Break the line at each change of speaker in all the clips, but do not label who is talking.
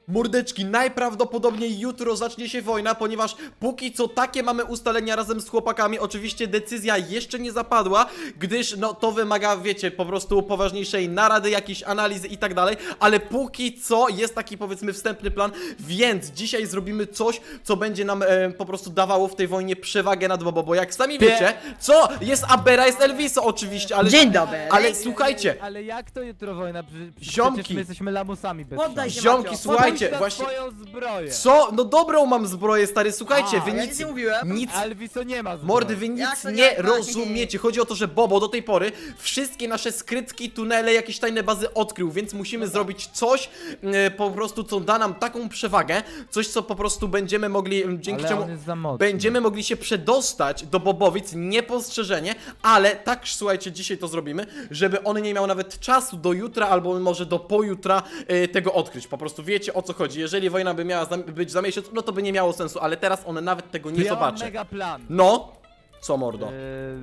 Mordeczki, najprawdopodobniej jutro zacznie się wojna, ponieważ póki co takie mamy ustalenia razem z chłopakami. Oczywiście decyzja jeszcze nie zapadła, gdyż no to wymaga, wiecie, po prostu poważniejszej narady, jakiejś analizy i tak dalej, ale póki co jest taki, powiedzmy, wstępny plan, więc dzisiaj zrobimy coś, co będzie nam po prostu dawało w tej wojnie przewagę nad Bobo, bo jak sami wiecie, co? Jest Abera, jest Elviso oczywiście, ale...
Dzień dobry.
Ale słuchajcie,
Ale jak to jutro wojna?
Ziomki.
Przecież my jesteśmy lamusami bez
Poddaj
szans.
się,
ziomki,
Macio.
słuchajcie,
Podaj
właśnie...
swoją zbroję.
Co? No dobrą mam zbroję, stary, słuchajcie, wy
Ja
nic...
nic nie mówiłem.
Nic...
Elviso nie ma zbroi.
Mordy, wy
Jak
nic
to
nie
nie?
rozumiecie. Chodzi o to, że Bobo do tej pory wszystkie nasze skrytki, tunele, jakieś tajne bazy odkrył, więc musimy zrobić coś po prostu, co da nam taką przewagę, coś, co po prostu będziemy mogli, dzięki
Ale
czemu
on jest za mocny.
będziemy mogli się przedostać do Bobowic niepostrzeżenie, ale tak, słuchajcie, dzisiaj to zrobimy, żeby on nie miał nawet czasu do jutra, albo może do pojutra tego odkryć. Po prostu wiecie, o co chodzi. Jeżeli wojna by miała być za miesiąc, no to by nie miało sensu, ale teraz on nawet tego nie
Ja mam
zobaczy.
mega plan.
No, co mordo?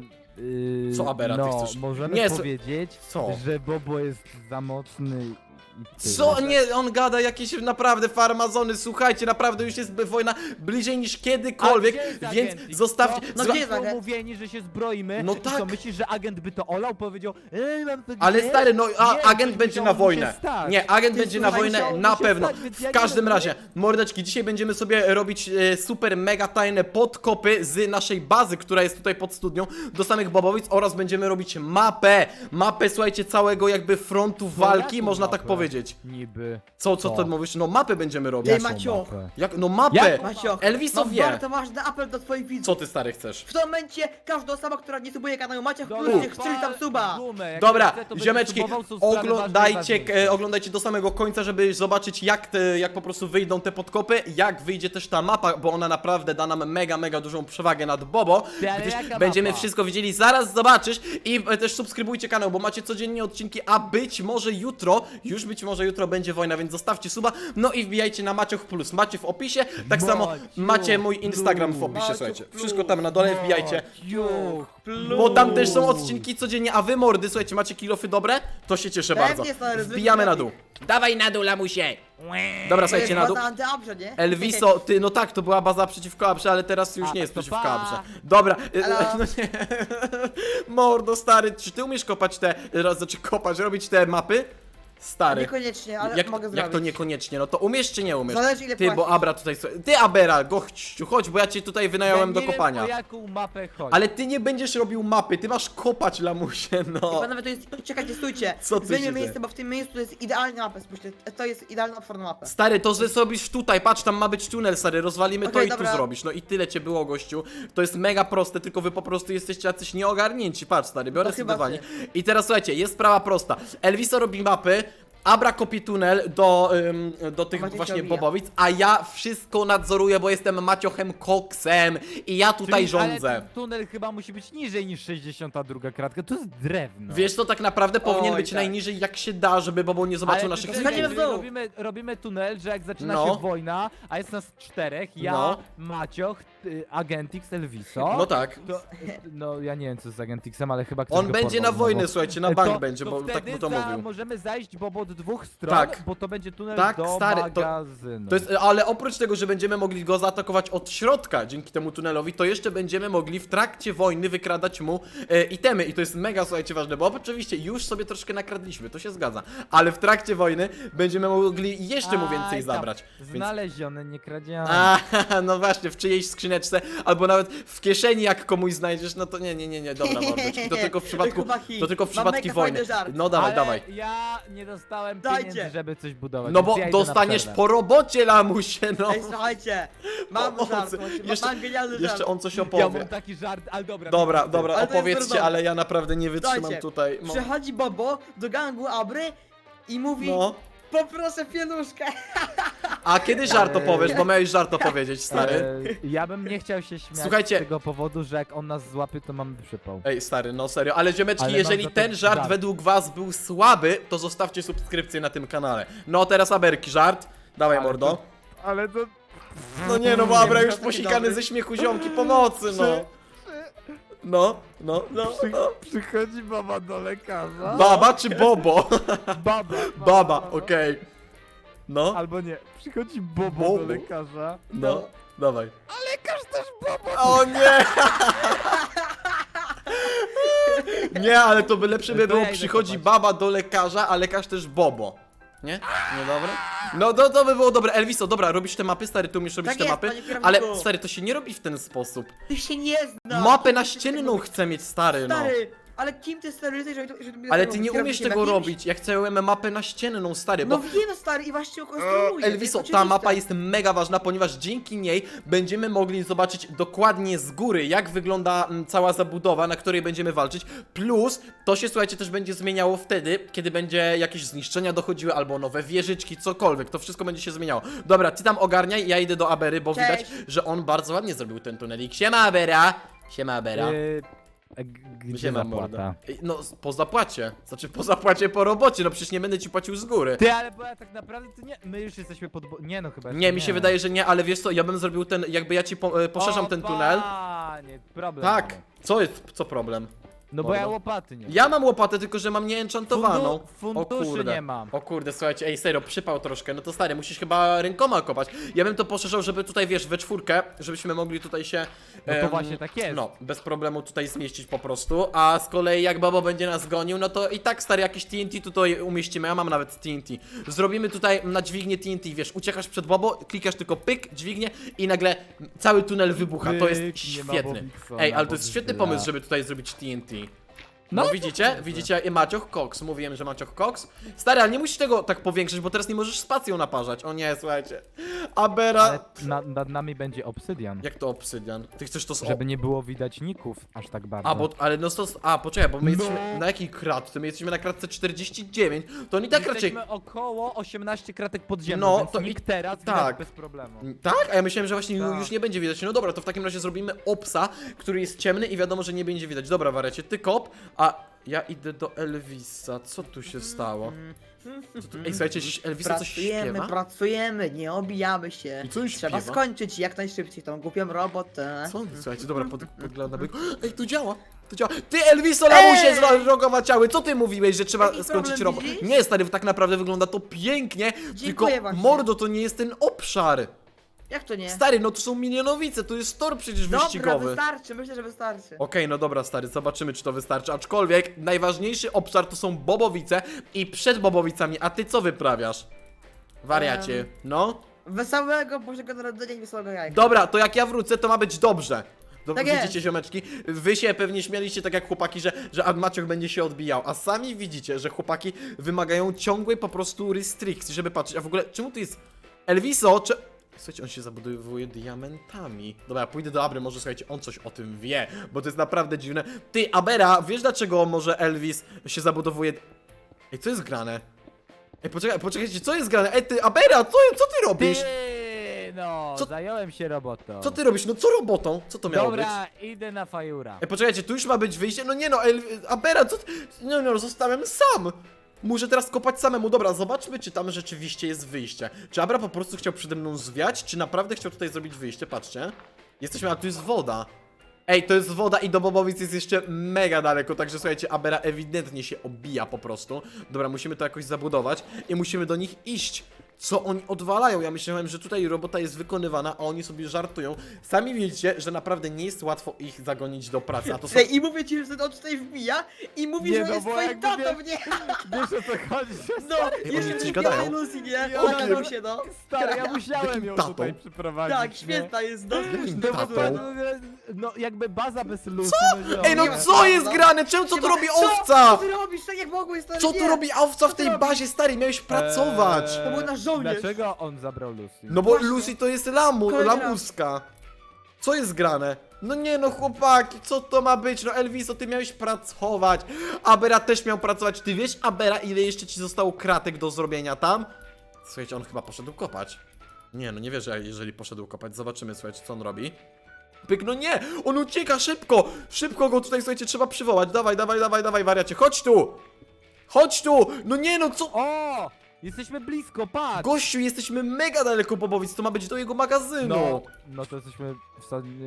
Co, Abera, ty
no,
chcesz?
możemy
Nie,
powiedzieć,
co?
że Bobo jest za mocny i tyle.
Co? Nie, on gada jakieś naprawdę farmazony, słuchajcie, naprawdę już jest wojna bliżej niż kiedykolwiek,
A gdzie jest
więc
agent?
zostawcie...
No
zła-
gdzie jest agent?
Umówieni, że się zbroimy.
No
I
tak.
co, myślisz, że agent by to olał? Powiedział, mam to
Ale
gdzieś?
stary, no
Nie,
agent
coś
będzie na
musiało mu się
wojnę.
stać.
Nie, agent
Ty,
będzie na
słuchaj,
wojnę
musiało mu
na
się
pewno.
stać, więc ja
W
nie
każdym
wiem,
razie, mordeczki, dzisiaj będziemy sobie robić super mega tajne podkopy z naszej bazy, która jest tutaj pod studnią, do samych Bobowic oraz będziemy robić mapę. Mapę, słuchajcie, całego jakby frontu walki,
jaką
można tak
mapę?
powiedzieć.
Niby.
Co ty mówisz? No mapę będziemy robić.
Ty, Macio.
Jak? No mapę!
Jak?
Macio,
Elviso
mam
wie.
bardzo ważny apel do twoich widzów.
Co ty, stary, chcesz?
W tym momencie każda osoba, która nie subuje kanału Macia w
Dobra,
plus, niech strzeli tam suba.
gumę, jak
Dobra,
chce, to będzie
ziomeczki,
subował, są sprawy
oglądajcie,
ważniejsze.
oglądajcie do samego końca, żeby zobaczyć jak po prostu wyjdą te podkopy, jak wyjdzie też ta mapa, bo ona naprawdę da nam mega dużą przewagę nad Bobo,
Ty, ale
gdyż
jaka
będziemy
mapa?
wszystko widzieli, zaraz zobaczysz i też subskrybujcie kanał, bo macie codziennie odcinki, a być może jutro będzie wojna, więc zostawcie suba, no i wbijajcie na Macioch Plus, macie w opisie, tak samo
Maciuch
macie mój Instagram w opisie,
Maciuch
słuchajcie,
Plus.
wszystko tam na dole wbijajcie.
Ciuch.
Bo tam też są odcinki codziennie, a wy mordy, słuchajcie, macie kilofy dobre? To się cieszę
Pewnie,
bardzo.
stary,
Wbijamy na dół. Dawaj na dół, lamusie! Dobra, słuchajcie, na dół.
To jest baza antyabrze, nie?
Elviso, ty, no tak, to była baza przeciwko Abrze, ale teraz już
A,
nie jest
to
przeciwko
pa.
Abrze. Dobra,
Halo?
no nie. Mordo, stary, czy ty umiesz kopać robić te mapy? Stary.
Niekoniecznie, ale
Jak,
mogę
jak
zrobić.
to niekoniecznie? No to umiesz czy nie umiesz?
Zależy, ile
Ty, bo
płacisz.
Abra tutaj... Ty, Abera, gościu, chodź, bo ja cię tutaj wynająłem do
Ja nie
kopania.
Wiem, o jaką mapę chodzi.
Ale ty nie będziesz robił mapy, ty masz kopać, lamusie, no.
Panowie, to jest... Czekajcie, stójcie.
Co tu się
Zmieńmy
dzieje?
miejsce, bo w tym miejscu to jest idealna mapa, spójrzcie. To jest idealna otworna mapa.
Stary, to że zrobisz tutaj, patrz, tam ma być tunel, stary, rozwalimy to
Okej,
i
dobra.
tu zrobisz. No i tyle cię było, gościu. To jest mega proste, tylko wy po prostu jesteście jacyś nieogarnięci. Patrz, stary, biorę
To chyba
sobie
ty.
I teraz słuchajcie, jest sprawa prosta. Elviso robi mapy, Abra kopie tunel do tych
Maciek się
właśnie
obija.
Bobowic, a ja wszystko nadzoruję, bo jestem Maciochem Koksem i ja tutaj
Czyli-
rządzę.
Ale ten tunel chyba musi być niżej niż 62 kratka, to jest drewno.
Wiesz co, tak naprawdę powinien
Oj,
być
tak.
najniżej jak się da, żeby Bobo nie zobaczył
Ale
naszych
czekaj,
Schodzimy w dół.
robimy tunel, że jak zaczyna
No.
się wojna, a jest nas 4, ja,
No.
Macioch, Agentix, Elviso.
No tak.
To, no ja nie wiem co z Agentixem, ale chyba ktoś
On
go
będzie
porwał
na wojnę,
znowu.
słuchajcie, na bank
to,
będzie,
to
bo tak
wtedy
mu to mówił.
możemy zajść Bobo od dwóch stron,
Tak.
bo to będzie tunel
Tak,
do
stary,
magazynu.
To jest, ale oprócz tego, że będziemy mogli go zaatakować od środka dzięki temu tunelowi, to jeszcze będziemy mogli w trakcie wojny wykradać mu itemy i to jest mega, słuchajcie, ważne, bo oczywiście już sobie troszkę nakradliśmy, to się zgadza, ale w trakcie wojny będziemy mogli jeszcze mu więcej
Aj, tam,
zabrać. Więc...
Znalezione, nie kradzione.
A, no właśnie, w czyjejś skrzyneczce, albo nawet w kieszeni jak komuś znajdziesz, no to nie, dobra mordeczki, to tylko w przypadku,
Chłopaki,
to tylko w
mam
przypadku
mega
wojny.
fajny żart.
No dawaj,
Ale
dawaj.
ja nie dostałem
Dajcie.
pieniędzy, żeby coś budować.
No
więc
bo
ja idę na
dostaniesz
przerwę.
po robocie, lamusie, no.
Ej, słuchajcie. Mam
Pomocy.
żart,
Jeszcze-
mam genialny żart.
Jeszcze on coś
Ja
opowie.
mam taki żart, ale dobra.
Dobra,
mów ty.
dobra,
Ale to jest
opowiedzcie,
trudno.
ale ja naprawdę nie wytrzymam
Dajcie.
tutaj. No.
Przychodzi Bobo do gangu Abry i mówi:
No.
poproszę pieluszkę.
A kiedy żart opowiesz, bo miałeś żart opowiedzieć, stary.
Ja bym nie chciał się śmiać
Słuchajcie.
z tego powodu, że jak on nas złapie, to mamy przypał.
Ej, stary, no serio, ale ziomeczki,
Ale mam
jeżeli
za to
ten żart
żart.
według was był słaby, to zostawcie subskrypcję na tym kanale. No teraz Aberki, żart. Dawaj,
Ale
mordo.
Ale to...
No nie, no bo Abra już
taki
posikany
dobry.
ze śmiechu, ziomki, pomocy, no. No.
Przychodzi baba do lekarza.
Baba czy Bobo?
Baba.
Baba, okej. No,
Albo nie, przychodzi Bobo
Bobo?
do lekarza.
no, dawaj.
A lekarz też Bobo!
O nie! Nie, ale to by lepsze by
To
było,
ja idę
przychodzi
kopać.
baba do lekarza, a lekarz też Bobo. Nie? Niedobre? No to by było dobre. Elviso, dobra, robisz te mapy, stary, tu umiesz robić
Tak
te
jest,
mapy,
panie kierowniku.
ale stary, to się nie robi w ten sposób.
Ty się nie znasz.
Mapę naścienną chcę mieć, stary, no.
Stary, ale kim ty stary jesteś, żeby mi
Ale
to
ty
robić?
nie umiesz
Kierownikiem
tego
jakimś?
robić, ja chcę mapę naścienną, stary,
No
bo...
wiem stary i właśnie ją konstruuję.
Elviso,
to jest
ta mapa
oczywiste.
jest mega ważna, ponieważ dzięki niej będziemy mogli zobaczyć dokładnie z góry, jak wygląda cała zabudowa, na której będziemy walczyć. Plus, to się, słuchajcie, też będzie zmieniało wtedy, kiedy będzie jakieś zniszczenia dochodziły, albo nowe wieżyczki, cokolwiek. To wszystko będzie się zmieniało. Dobra, ty tam ogarniaj, ja idę do Abery, bo
Cześć.
widać, że on bardzo ładnie zrobił ten tunelik. Siema, Abera! Siema, Abera.
Gdzie
Siema,
zapłata?
morda. No, po zapłacie. Znaczy, po zapłacie, po robocie, no przecież nie będę ci płacił z góry.
Ty, ale bo ja tak naprawdę to nie, my już jesteśmy nie no chyba
Nie,
jeszcze
mi się wydaje, że nie, ale wiesz co, ja bym zrobił ten, jakby ja ci poszerzam ten tunel.
Nie, problem.
Tak,
mamy.
co jest, co problem?
No bo
Mordo.
ja łopaty nie mam.
Ja mam łopatę, tylko że mam nieenchantowaną.
Funduszy nie mam.
O kurde, słuchajcie, ej, serio, przypał troszkę, no to stary, musisz chyba rękoma kopać. Ja bym to poszerzał, żeby tutaj, wiesz, we czwórkę, żebyśmy mogli tutaj się...
No to właśnie tak jest.
No, bez problemu tutaj zmieścić po prostu, a z kolei jak Bobo będzie nas gonił, no to i tak, stary, jakieś TNT tutaj umieścimy, ja mam nawet TNT. Zrobimy tutaj na dźwignię TNT, wiesz, uciekasz przed Bobo, klikasz tylko pyk, dźwignię i nagle cały tunel wybucha, to jest
Pyk, nie ma
świetny.
Bobiksona,
Ej, ale to jest świetny
Bobiksa.
pomysł, żeby tutaj zrobić TNT. No,
No,
widzicie? Widzicie? I Macioch Cox. Mówiłem, że Macioch Cox. Stary, ale nie musisz tego tak powiększyć, bo teraz nie możesz spacją naparzać. O nie, słuchajcie. Abera...
Ale nad nami będzie obsydian.
Jak to obsydian? Ty chcesz to z...
Żeby nie było widać ników aż tak bardzo.
A, bo... Ale no to... A, poczekaj, bo my
No.
jesteśmy... Na jakiej kratce? My jesteśmy na kratce 49. To oni tak raczej...
Jesteśmy około 18 kratek podziemnych,
No,
więc
to
nikt
i-
teraz
tak.
widać bez problemu.
Tak? A ja myślałem, że właśnie
Tak.
już nie będzie widać. No dobra, to w takim razie zrobimy obsa, który jest ciemny i wiadomo, że nie będzie widać. Dobra, wariacie, ty kop, a ja idę do Elvisa. Co tu się stało? Co tu... Ej, słuchajcie, Elvisa coś śpiewa?
Pracujemy, nie obijamy się.
I co on
Trzeba
śpiewa?
skończyć jak najszybciej tą głupią robotę.
Co? Słuchajcie, dobra, podglądam. Ej, to działa! To działa. Ty, Elviso, lamusie zrogowaciały! Co ty mówiłeś, że trzeba
Jaki
skończyć
problem
robot?
widzisz?
Nie, stary, tak naprawdę wygląda to pięknie, tylko
właśnie.
mordo, to nie jest ten obszar.
Jak to nie?
Stary, no to są milionowice, to jest tor przecież
Dobra,
wyścigowy.
wystarczy, myślę, że wystarczy.
Okej, no dobra, stary, zobaczymy, czy to wystarczy. Aczkolwiek najważniejszy obszar to są Bobowice i przed Bobowicami, a ty co wyprawiasz? Wariacie, no?
Wesołego Bożego Narodzenia i wesołego jajka.
Dobra, to jak ja wrócę, to ma być dobrze.
Tak
Widzicie,
jest.
ziomeczki? Wy się pewnie śmialiście tak jak chłopaki, że Maciuch będzie się odbijał, a sami widzicie, że chłopaki wymagają ciągłej po prostu restrykcji, żeby patrzeć. A w ogóle, czemu tu jest Elviso? Słuchajcie, on się zabudowuje diamentami. Dobra, ja pójdę do Abry, może słuchajcie, on coś o tym wie, bo to jest naprawdę dziwne. Ty, Abera, wiesz dlaczego może Elvis się zabudowuje... Ej, co jest grane? Ej, poczekajcie, co jest grane? Ej, ty, Abera, co ty robisz?
No,
Co-
zająłem się robotą.
Co ty robisz? No co robotą? Co to miało być?
Dobra, idę na fajura.
Ej, poczekajcie, tu już ma być wyjście? No nie no, Abera, co ty... No, zostałem sam! Muszę teraz kopać samemu. Dobra, zobaczmy, czy tam rzeczywiście jest wyjście. Czy Abra po prostu chciał przede mną zwiać, czy naprawdę chciał tutaj zrobić wyjście? Patrzcie. Jesteśmy, a tu jest woda. Ej, to jest woda i do Bobowic jest jeszcze mega daleko, także słuchajcie, Abera ewidentnie się obija po prostu. Dobra, musimy to jakoś zabudować i musimy do nich iść. Co oni odwalają? Ja myślałem, że tutaj robota jest wykonywana, a oni sobie żartują. Sami widzicie, że naprawdę nie jest łatwo ich zagonić do pracy, a to są...
Ej, i mówię ci, że on tutaj wbija i mówi,
Nie,
że
no
jest
bo
twoim
jakby
tatą,
wiesz-
nie?
Wiesz o co chodzi?
No,
oni
jeszcze
coś
mi
gadają?
Lucy, nie?
Ja
Ona
wiem.
się, no.
Stary, ja musiałem ją
tatą?
tutaj przyprowadzić.
Tak,
nie?
święta jest, no.
Jakim
No,
tatą?
no jakby baza bez luzu. No,
Ej, no
Nie ma
co
sensu,
jest
no.
grane? Czemu, co tu
Nie ma-
robi
Co?
owca?
Co ty robisz tak jak mogłeś, stary?
Co tu
Nie.
robi owca w tej
ty
bazie, stary? Miałeś pracować.
To był nasz żołnierz.
Dlaczego on zabrał Lucy?
No bo
Właśnie.
Lucy to jest
Kolejny raz.
lamuska. Co jest grane? No nie no chłopaki, co to ma być? No Elviso, ty miałeś pracować. Abera też miał pracować. Ty wiesz, Abera, ile jeszcze ci zostało kratek do zrobienia tam? Słuchajcie, on chyba poszedł kopać. Nie, no nie wierzę, jeżeli poszedł kopać. Zobaczymy, słuchajcie, co on robi. Pyk, no nie! On ucieka szybko! Szybko go tutaj, słuchajcie, trzeba przywołać. Dawaj, wariacie, chodź tu! Chodź tu! No nie no, co?
O! Jesteśmy blisko, patrz!
Gościu, jesteśmy mega daleko Bobowic, to ma być do jego magazynu.
No to jesteśmy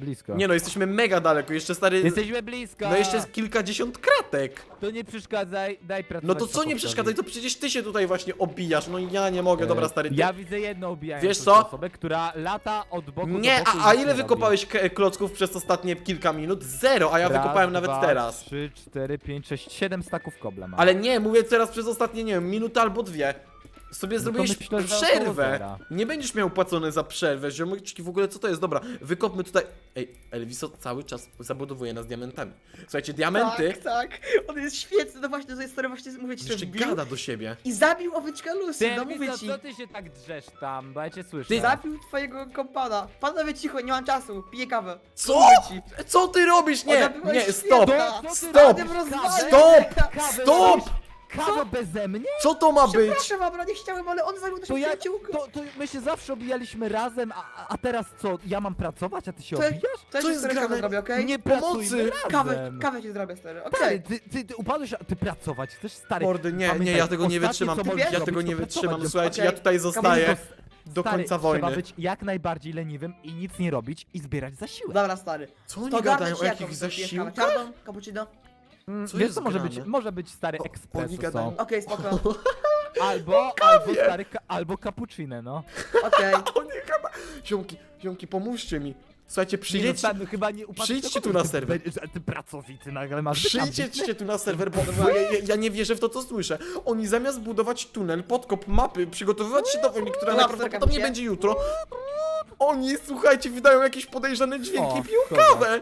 blisko.
Nie no, jesteśmy mega daleko, jeszcze stary...
Jesteśmy blisko!
No jeszcze jest kilkadziesiąt kratek.
To nie przeszkadzaj, daj pracować.
No to co nie
chłopowi.
przeszkadzaj, to przecież ty się tutaj właśnie obijasz, no ja nie mogę, dobra stary, ty...
Ja widzę jedną obijającą
Wiesz co?
osobę, która lata od boku
Nie,
do boku i
a
nic
ile
nie
wykopałeś klocków przez ostatnie kilka minut? Zero, a ja
robi.
wykopałem
Raz,
nawet
dwa,
teraz.
3, 4, 5, 6, 7 staków kobla mam.
Ale nie, mówię teraz przez ostatnie, nie wiem, minutę albo dwie. Sobie
No to
zrobiłeś
myślę, że około
przerwę.
zera.
Nie będziesz miał płacone za przerwę, ziomeczki, w ogóle co to jest? Dobra, wykopmy tutaj... Ej, Elviso cały czas zabudowuje nas diamentami. Słuchajcie, diamenty...
Tak. On jest świetny, no właśnie, to jest stary, właśnie mówię ci, że
Jeszcze
wbił
gada do siebie.
i zabił oweczkę Lucy,
Ty,
no mówię
Elviso,
ci.
co ty się tak drzesz tam, bo ja cię słyszę.
Ty
Zabił twojego kompana. Panowie cicho, nie mam czasu, piję kawę.
Co?
Mówię ci.
Co ty robisz? Nie,
Ona była
nie,
świetna.
stop!
Co ty
Stop!
robisz?
Stop!
Kawę
Stop!
robisz? Kawę beze mnie?
Co to ma być?
Przepraszam, Abra, nie chciałem, ale on zabił naszą
To ja,
przyjaciółkę.
to my się zawsze obijaliśmy razem, a teraz co, ja mam pracować, a ty się
To-
obijasz?
To
Co
jest
jest
stary
grane?
kawę zrobię, okej?
Nie
Pomocy!
pracujmy razem.
Kawę ci zrobię, stary, okej.
Stary, ty upadłeś, a ty pracować chcesz, stary.
Mordy, nie,
Pamiętaj,
ja tego nie
ostatnie,
wytrzymam,
co możesz
ja
zrobić,
tego
to
nie
pracować.
wytrzymam, słuchajcie,
Okej.
ja tutaj zostaję do
Stary,
końca
trzeba
wojny.
być jak najbardziej leniwym i nic nie robić i zbierać zasiłek.
Dobra, stary.
Co oni
To
gadają
garnę
o
ci jaką,
jakichś
to pijesz kawę?
zasiłkach?
Czarną, cappuccino?
Co
Wiesz
jest
co może
grane?
może być stary
oni
espresso
gadają-
są.
Okej, spoko.
Albo stary, albo cappuccino, no.
Okej.
O nie, chyba... Ziomki, pomóżcie mi. Słuchajcie,
Nie, no,
przyjdźcie,
stary, no, chyba nie upadł
przyjdźcie
do
tu na
kogoś,
serwer.
Ty pracowity nagle masz.
Przyjdźcie tu na serwer, bo ja nie wierzę w to, co słyszę. Oni zamiast budować tunel, podkop mapy, przygotowywać się do wojny, która
No,
najprawdopodobniej
wsterkam
będzie jutro, oni, słuchajcie, wydają jakieś podejrzane dźwięki
O,
i piją
szkoda.
kawę.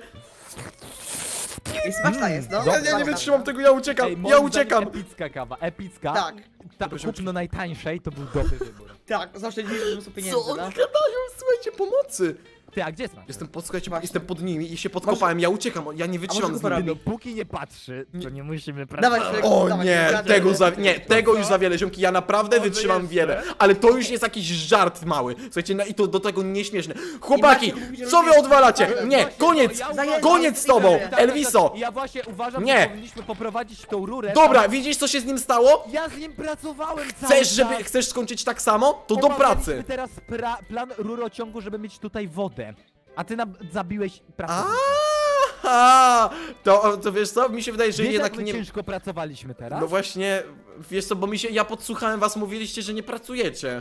I smaczna jest, no.
Ja nie wytrzymam tego, ja uciekam,
Ej,
ja
moim
uciekam.
zdaniem Epicka kawa, epicka.
Tak.
Dobra,
Kupno najtańszej to był dobry wybór.
Tak, zaoszczędziliśmy mnóstwo pieniędzy,
Co oni
no.
gadają? Słuchajcie, pomocy.
Ty, a gdzie jest Maciek?
Słuchajcie,
Właśnie.
jestem pod nimi i się podkopałem, ja uciekam, ja nie wytrzymam
może
z
go
nimi.
porobi?
Dopóki nie patrzy, to nie musimy
Dawaj,
pracować.
Szrek.
O
Dawaj,
nie,
dawaj,
tego
dawaj.
nie, tego już za wiele, ziomki, ja naprawdę
Może
wytrzymam
jeszcze?
wiele, ale to już jest jakiś żart mały, słuchajcie, i to do tego nieśmieszne. Chłopaki,
Maciek mówi, że
co wy
lubię-
odwalacie? Nie,
Właśnie,
koniec,
ja
uważam-
koniec z tobą,
Tak, tak,
Elviso.
Ja właśnie uważam,
Nie.
że powinniśmy poprowadzić tą rurę.
Dobra, widzisz co się z nim stało?
Ja z nim pracowałem cały czas.
Chcesz skończyć tak samo? To do
Omawialiśmy
pracy.
teraz plan rurociągu, żeby mieć tutaj wodę. A ty zabiłeś pracę.
Aha, to wiesz co, mi się wydaje, że
Wiesz,
jednak
jak my
nie...
ciężko pracowaliśmy teraz?
No właśnie, wiesz co, bo ja podsłuchałem was, mówiliście, że nie pracujecie.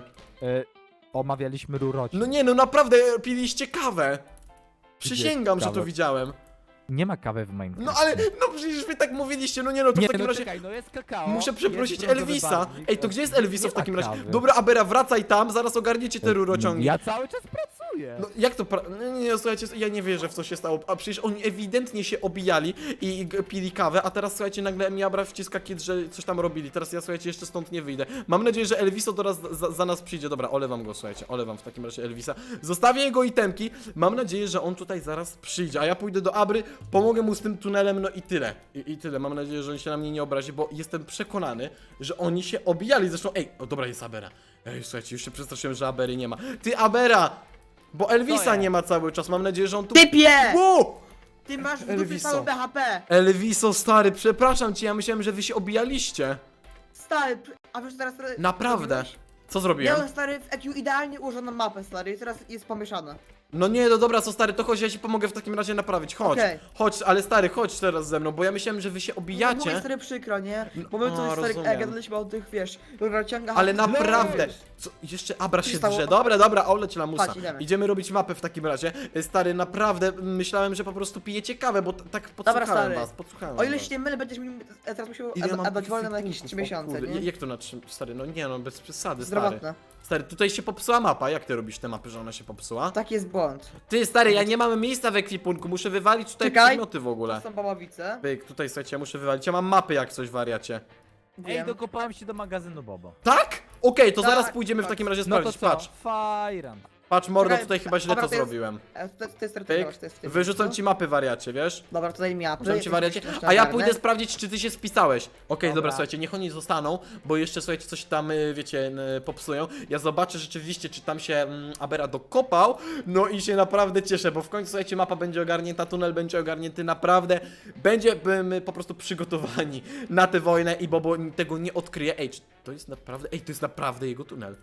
Omawialiśmy rurociąg.
No nie, no naprawdę, piliście kawę. Przysięgam, że to
kawę?
widziałem.
Nie ma kawy w Minecraft.
No ale, no przecież wy tak mówiliście, no nie no, to
Nie,
w takim
no
razie...
czekaj, no jest kakao.
Muszę
jest
przeprosić
brązowy
Elvisa.
barwnik,
Ej, to gdzie jest Elviso
nie
w takim
ma
razie?
kawy.
Dobra, Abera, wracaj tam, zaraz ogarniecie te rurociągi.
Ja cały czas pracuję.
No jak to nie, słuchajcie, ja nie wierzę w co się stało. A przecież oni ewidentnie się obijali i pili kawę, a teraz słuchajcie, nagle mi Abra wciska kit, że coś tam robili. Teraz ja słuchajcie, jeszcze stąd nie wyjdę. Mam nadzieję, że Elviso teraz za nas przyjdzie. Dobra, olewam go, słuchajcie, olewam w takim razie Elvisa. Zostawię jego itemki. Mam nadzieję, że on tutaj zaraz przyjdzie, a ja pójdę do Abry, pomogę mu z tym tunelem, no i tyle. I tyle. Mam nadzieję, że on się na mnie nie obrazi, bo jestem przekonany, że oni się obijali. Zresztą, ej, o dobra, jest Abera. Ej, słuchajcie, już się przestraszyłem, że Abery nie ma. Ty, Abera! Bo Elvisa
jest?
nie ma cały czas, mam nadzieję, że on tu...
Typie!
Wow!
Ty masz w dupie
Elviso.
całe BHP!
Elviso, stary, przepraszam cię, ja myślałem, że wy się obijaliście.
Stary, a wiesz teraz...
Naprawdę. Co
Ja
zrobiłem?
mam stary w EQ idealnie ułożoną mapę, stary, i teraz jest pomieszane.
No nie, no dobra, co stary, to chodź, ja ci pomogę w takim razie naprawić, chodź.
Okej.
Chodź, ale stary, chodź teraz ze mną, bo ja myślałem, że wy się
Mówię
obijacie.
stary przykro, nie? Bo my
o,
tu stary
rozumiem.
gadaliśmy o tych, wiesz, rurociągach.
Ale
a-
naprawdę,
Wiesz,
co, jeszcze Abra
Co się
się
stało?
drze, dobra, oleć lamusa.
Chodź, idziemy.
Idziemy robić mapę w takim razie. Stary, naprawdę, myślałem, że po prostu pijecie kawę, bo tak podsłuchałem
stary.
was, podsłuchałem
O ile
was.
się nie mylę, będziesz mi teraz musiał
Ile ja mam
dać wolne na jakieś
punktów?
3
O
miesiące,
kurde,
nie?
Jak to na 3, stary, no nie no, bez przesady, stary.
Zdrowotne.
Stary, tutaj się popsuła mapa, jak ty robisz te mapy, że ona się popsuła?
Tak jest błąd.
Ty, stary, ja nie mam miejsca w ekwipunku, muszę wywalić tutaj
Czekaj.
przedmioty w ogóle.
To są baławice.
Pyk, tutaj słuchajcie, ja muszę wywalić, ja mam mapy jak coś, wariacie.
Ej,
Wiem.
dokopałem się do magazynu Bobo.
Tak? Okej, to
Tak,
zaraz pójdziemy w
tak.
takim razie
No to
sprawdzić,
co?
patrz.
Fajran.
Patrz, mordo,
Czekaj,
tutaj chyba źle
dobra,
to
to jest-
zrobiłem.
To jest
Pyk,
to jest
wyrzucam ci mapy, wariacie, wiesz?
Dobra, tutaj mi apy.
Wyrzucam ci wariacie,
jeszcze
a ja
ogarnę.
pójdę sprawdzić, czy ty się spisałeś. Okej, dobra,
Dobra.
słuchajcie, niech oni zostaną, bo jeszcze, słuchajcie, coś tam, wiecie, popsują. Ja zobaczę rzeczywiście, czy tam się Abera dokopał, no i się naprawdę cieszę, bo w końcu, słuchajcie, mapa będzie ogarnięta, tunel będzie ogarnięty, naprawdę będziemy po prostu przygotowani na tę wojnę i Bobo tego nie odkryje. Ej, czy to jest naprawdę, to jest naprawdę jego tunel.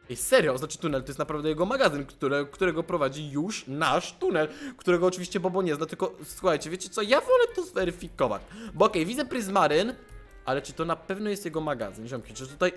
Ej, serio, znaczy tunel to jest naprawdę jego magazyn, którego prowadzi już nasz tunel, którego oczywiście Bobo nie zna, tylko słuchajcie, wiecie co, ja wolę to zweryfikować, bo okej, widzę Pryzmaryn, ale czy to na pewno jest jego magazyn, ziomki, czy tutaj...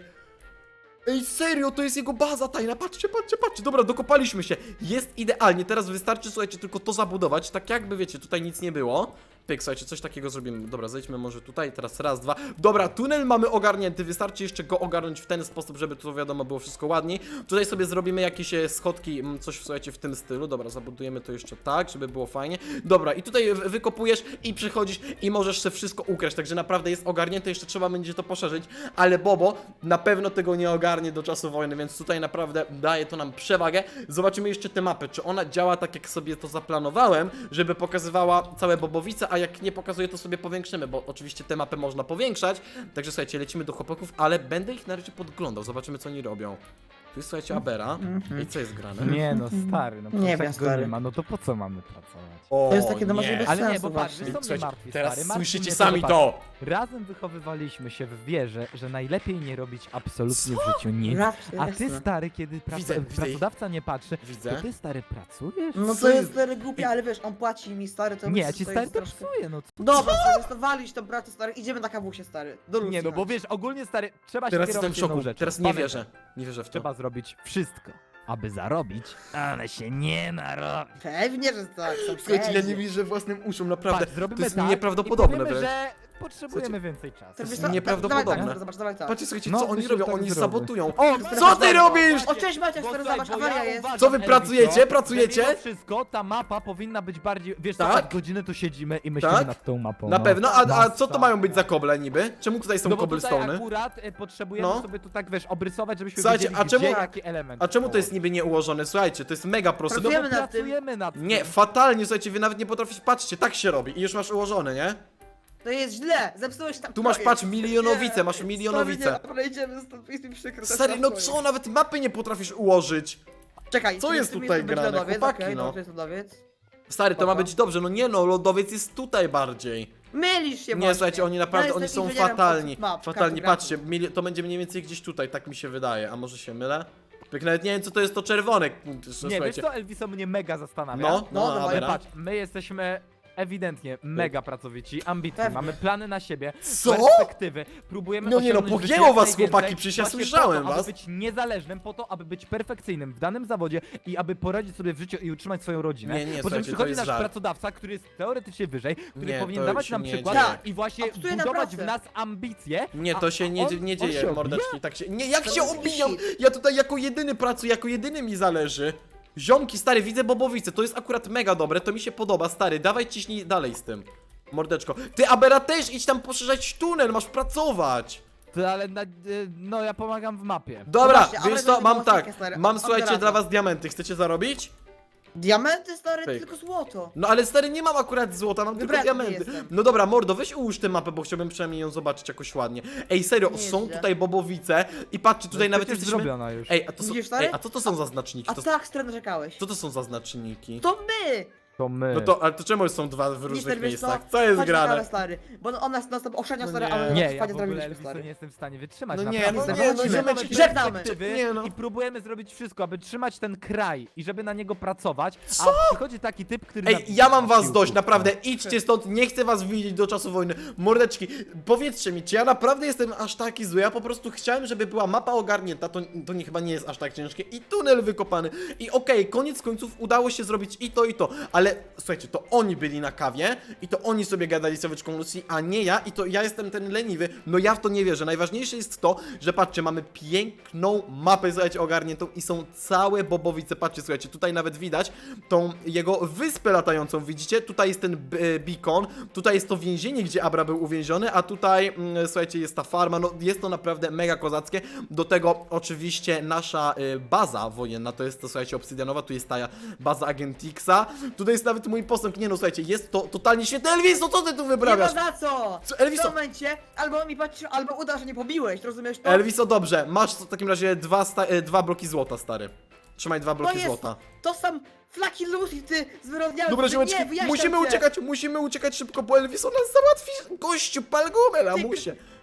Ej, serio, to jest jego baza tajna, patrzcie, dobra, dokopaliśmy się, jest idealnie, teraz wystarczy, słuchajcie, tylko to zabudować, tak jakby, wiecie, tutaj nic nie było. Pyk, słuchajcie, coś takiego zrobimy, dobra, zejdźmy może tutaj, teraz raz, dwa, dobra, tunel mamy ogarnięty, wystarczy jeszcze go ogarnąć w ten sposób, żeby to wiadomo było wszystko ładniej. Tutaj sobie zrobimy jakieś schodki, coś, słuchajcie, w tym stylu, dobra, zabudujemy to jeszcze tak, żeby było fajnie. Dobra, i tutaj wykopujesz i przychodzisz i możesz sobie wszystko ukraść, także naprawdę jest ogarnięte, jeszcze trzeba będzie to poszerzyć, ale Bobo na pewno tego nie ogarnie do czasu wojny, więc tutaj naprawdę daje to nam przewagę. Zobaczymy jeszcze tę mapę, czy ona działa tak, jak sobie to zaplanowałem, żeby pokazywała całe Bobowice, a jak nie pokazuje, to sobie powiększymy, bo oczywiście tę mapę można powiększać, także słuchajcie, lecimy do chłopaków, ale będę ich na razie podglądał, zobaczymy, co oni robią. Tu jest, słuchajcie, Abera. I co jest grane?
Nie no, stary, no
Nie
przecież
wiem,
jak go
stary.
nie ma, no to po co mamy pracować?
O,
To jest takie, no może
nie.
bez
Ale nie,
sensu
bo patrz,
właśnie.
wiesz co mnie
Słuchajcie,
martwi,
teraz
stary? Martwi
słyszycie
mnie
sami
że
to!
Razem wychowywaliśmy się w wierze, że najlepiej nie robić absolutnie w życiu nic.
Raczej,
A ty,
jasne.
stary, kiedy
Widzę ich.
pracodawca nie patrzy,
Widzę.
to ty, stary, pracujesz?
No
Co
to
jest?
jest stary głupie, ale wiesz, on płaci mi stary, to
Nie,
myślę,
ci
że
stary
jest
to
troszkę...
psuje, no co?
Dobra, stary, to walić tą pracę stary, idziemy na kawusie stary. Do Lucji
Nie no, bo
chodź.
wiesz, ogólnie, stary, trzeba się
Teraz jestem
kierować
w
jedną
szoku,
rzeczą.
teraz nie
Pamiętaj,
wierzę. Nie wierzę w to.
Trzeba zrobić wszystko, aby zarobić, ale się nie narobić.
Pewnie, że tak, są
Słuchajcie, ja nie
wszędzie.
wierzę własnym uszom, naprawdę.
Patrz, zrobimy
To jest
tak
nieprawdopodobne
i powiemy,
wręcz.
że potrzebujemy więcej czasu.
To wiesz
jest
co,
nieprawdopodobne.
Dawaj tak, zobacz, dawaj tak.
Patrzcie, słuchajcie,
No,
co oni
myślę, że
robią,
tak
oni
zrobię.
sabotują.
O,
Co ty robisz?
O, cześć Maciek,
Bo
stary,
słuchaj,
zobacz,
bo
awaria
ja
jest.
uważam,
Co wy
Elviso,
pracujecie?
że
Pracujecie?
mimo wszystko ta mapa powinna być bardziej, wiesz co,
Tak?
tak godzinę tu siedzimy i myślimy
Tak?
nad tą mapą.
Na
no.
pewno, a co to
Masakra.
mają być za koble niby? Czemu tutaj są
No bo tutaj
cobblestone'y?
akurat potrzebujemy
No.
sobie tu tak, wiesz, obrysować, żebyśmy
Słuchajcie,
wiedzieli,
a czemu-
gdzie jaki element.
A czemu to jest
położyć.
niby nieułożone? Słuchajcie, to jest mega proste.
No bo
Pracujemy nad tym.
pracujemy nad tym.
Nie, fatalnie, słuchajcie, wy nawet nie potraficie, patrzcie, tak się robi i już masz ułożone, nie?
To jest źle, zepsułeś tam
Tu masz,
projekt.
patrz, milionowice, masz
Stary,
milionowice.
nie, dobra, idziemy stąd, jest mi przykro. to
Stary,
jest
no
nasz
co,
projekt.
nawet mapy nie potrafisz ułożyć.
Czekaj,
Co
tu
jest
tu
tutaj
będzie
grane,
lodowiec,
chłopaki,
okej,
no?
dobrze, jest lodowiec.
Stary, to ma
Spoko.
być dobrze, no nie no, lodowiec jest tutaj bardziej.
Mylisz się
Nie,
właśnie.
słuchajcie, oni naprawdę,
Ja
oni
jestem
są
inżynierem
fatalni.
od map,
Fatalni,
kartografii.
patrzcie, to będzie mniej więcej gdzieś tutaj, tak mi się wydaje, a może się mylę? Tak nawet nie wiem, co to jest to czerwone,
Nie, wiesz
słuchajcie.
co, Elviso mnie mega zastanawia.
No,
No,
no,
dawaj,
Ale
Abera.
patrz, my jesteśmy ewidentnie mega pracowici, ambitni,
Pewnie.
mamy plany na siebie,
Co?
perspektywy, próbujemy
No nie no,
osiągnąć w życiu
pogięło
jak
was,
najwięcej,
chłopaki, przecież ja
właśnie
słyszałem
po to,
was.
aby być niezależnym, po to, aby być perfekcyjnym w danym zawodzie i aby poradzić sobie w życiu i utrzymać swoją rodzinę.
Nie, nie,
Po czym
słuchajcie, to
przychodzi
jest
nasz
żart.
pracodawca, który jest teoretycznie wyżej, który
Nie,
powinien
to
dawać
się
nam
nie
przykład
dzieje.
i właśnie
A psuje na
budować
pracę.
w nas ambicje.
Nie,
a-
to się
a
nie,
on-
nie
on
dzieje,
się
mordeczki, tak się... Nie, jak
To
się
jest
obijam?
shit.
Ja tutaj jako jedyny pracuję, jako jedyny mi zależy. Ziomki, stary, widzę Bobowice, to jest akurat mega dobre, to mi się podoba, stary, dawaj ciśnij dalej z tym. Mordeczko. Ty, Abera, też idź tam poszerzać tunel, masz pracować.
To, ale no ja pomagam w mapie.
Dobra,
właśnie,
wiesz
Abera
co,
będzie
mam
pomocnikiem,
tak,
stary,
mam
od
słuchajcie
razu.
dla was diamenty, chcecie zarobić?
Diamenty stary,
Pyk.
tylko złoto.
No ale stary, nie mam akurat złota, mam tylko
Wybredny
diamenty.
jestem.
No dobra, mordo, weź ułóż tę mapę, bo chciałbym przynajmniej ją zobaczyć jakoś ładnie. Ej, serio,
Nie
są
jest źle.
tutaj Bobowice i patrzcie, tutaj
No,
nawet
przecież
jesteśmy...
zrobiona już.
Ej, a to są...
Widzisz, stary?
Ej, a co to są za znaczniki?
A tak, stary, narzekałeś.
Co to są za znaczniki?
To my!
To my.
No to, ale to czemu są dwa w
Widzisz,
różnych
stary, wiesz
miejscach? Co jest
Chodź na
grane?
kawę, stary, bo on nas oszczędza,
No
stary,
nie.
ale
Nie,
fajnie
ja w ogóle
zrobiliśmy,
Elviso
stary.
nie jestem w stanie wytrzymać.
No nie,
naprawdę.
no nie, no
Zobaczymy
ziomeczki,
żegnamy.
perspektywy
Nie, no.
I próbujemy zrobić wszystko, aby trzymać ten kraj i żeby na niego pracować.
Co?
A przychodzi taki typ, który.
Ej, ja mam was dość,
Siłków,
naprawdę,
no.
idźcie stąd, nie chcę was widzieć do czasu wojny. Mordeczki, powiedzcie mi, czy ja naprawdę jestem aż taki zły? Ja po prostu chciałem, żeby była mapa ogarnięta, to nie, chyba nie jest aż tak ciężkie, i tunel wykopany. I okej, koniec końców udało się zrobić i to, ale słuchajcie, to oni byli na kawie i to oni sobie gadali z Eweczką Lucy, a nie ja, i to ja jestem ten leniwy. No ja w to nie wierzę. Najważniejsze jest to, że patrzcie, mamy piękną mapę, słuchajcie, ogarniętą i są całe Bobowice. Patrzcie, słuchajcie, tutaj nawet widać tą jego wyspę latającą, widzicie? Tutaj jest ten beacon, tutaj jest to więzienie, gdzie Abra był uwięziony, a tutaj, słuchajcie, jest ta farma, no jest to naprawdę mega kozackie. Do tego oczywiście nasza baza wojenna, to jest to, słuchajcie, obsydianowa, tu jest ta baza Agentixa, tutaj jest nawet mój posąg, nie no, słuchajcie, jest to totalnie świetne. Elviso, co ty tu
Nie
wyprawiasz?
ma za co!
Co, Elviso?
W tym momencie albo mi patrzy, albo uda, że nie pobiłeś, rozumiesz to?
Elviso, dobrze, masz w takim razie dwa bloki złota, stary. Trzymaj 2 bloki
jest
złota.
To są flaki Lucy, ty zwyrodniały.
Dobra, ziomeczki, musimy uciekać szybko, bo Elviso nas załatwi. Gościu, pal gumę, lamusie.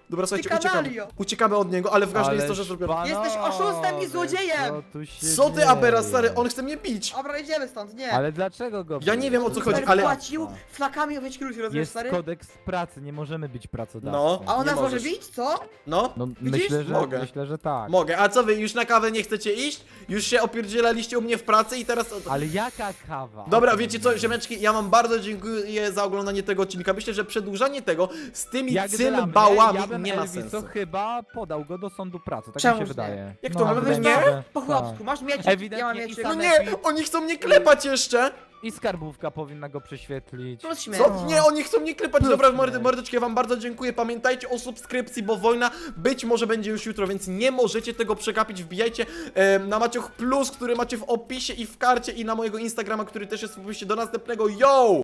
Dobra, słuchajcie,
Ty
uciekamy.
kanalio.
Uciekamy od niego, ale ważne jest to, że zrobię...
Jesteś oszustem i złodziejem!
Co ty, Abera, stary? On chce mnie bić.
Dobra, idziemy stąd, nie.
Ale dlaczego go
Ja nie wiem, o co chodzi,
Stary
ale...
płacił flakami owieczki ludzi, rozumiesz,
Jest
stary?
kodeks pracy, nie możemy być pracodawcą.
No.
A on
Nie
nas może
możesz.
bić, co?
No,
No
Widzisz?
Mogę.
myślę, że tak.
mogę. A co wy, już na kawę nie chcecie iść? Już się opierdzielaliście u mnie w pracy i teraz...
Ale jaka kawa?
Dobra, wiecie co, ziomeczki, ja wam bardzo dziękuję za oglądanie tego odcinka. Myślę, że przedłużanie tego z tymi
Jak dla mnie,
cymbałami
ja bym
nie ma
Elviso
sensu.
chyba podał go do sądu pracy, tak
Czemuż
mi się
nie?
wydaje.
Jak to, ale
wydaje
weź
mi się,
nie?
że-
Po
tak.
chłopsku, masz miecik,
Ewidentnie
ja mam
i
miecik.
No
same-
nie, oni chcą mnie klepać jeszcze!
I skarbówka powinna go prześwietlić.
Plus śmierć.
Co? Nie, oni chcą mnie klepać.
Plus
Dobra,
nie.
mordeczki, ja wam bardzo dziękuję. Pamiętajcie o subskrypcji, bo wojna być może będzie już jutro, więc nie możecie tego przegapić. Wbijajcie na Maciuch Plus, który macie w opisie i w karcie, i na mojego Instagrama, który też jest w opisie. Do następnego, yo!